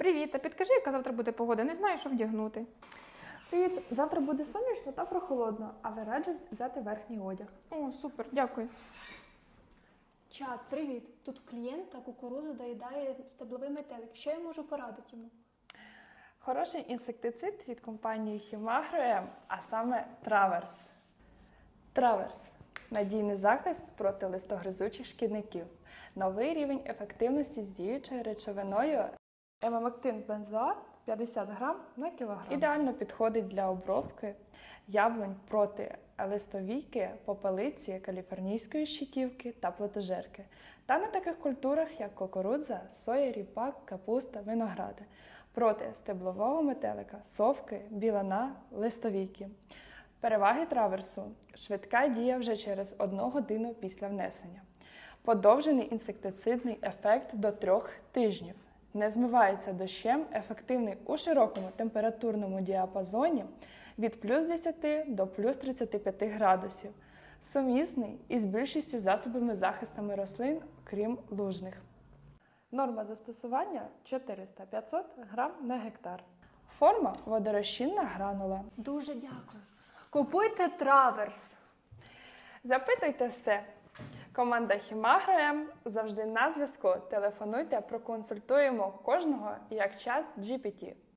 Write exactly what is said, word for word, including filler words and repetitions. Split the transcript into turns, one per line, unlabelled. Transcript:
Привіт, а підкажи, яка завтра буде погода? Не знаю, що вдягнути.
Привіт! Завтра буде сонячно та прохолодно, але раджу взяти верхній одяг.
О, супер, дякую.
Чат, привіт! Тут в клієнта кукурудзу доїдає стебловий метелик. Що я можу порадити йому?
Хороший інсектицид від компанії Хімагро, а саме Траверс. Траверс – надійний захист проти листогризучих шкідників. Новий рівень ефективності з діючою речовиною.
Емамектин бензоат п'ятдесят грам на кілограм.
Ідеально підходить для обробки яблунь проти листовійки, попелиці, каліфорнійської щитівки та плодожерки. Та на таких культурах, як кукурудза, соя, ріпак, капуста, виногради. Проти стеблового метелика, совки, білана, листовійки. Переваги траверсу – швидка дія вже через одну годину після внесення. Подовжений інсектицидний ефект до трьох тижнів. Не змивається дощем, ефективний у широкому температурному діапазоні від плюс десяти до плюс тридцяти п'яти градусів. Сумісний із більшістю засобами захисту рослин, крім лужних.
Норма застосування чотириста-п'ятсот грам на гектар.
Форма – водорозчинна гранула.
Дуже дякую. Купуйте траверс.
Запитуйте все. Команда Хімагро завжди на зв'язку. Телефонуйте, проконсультуємо кожного як чат джі пі ті.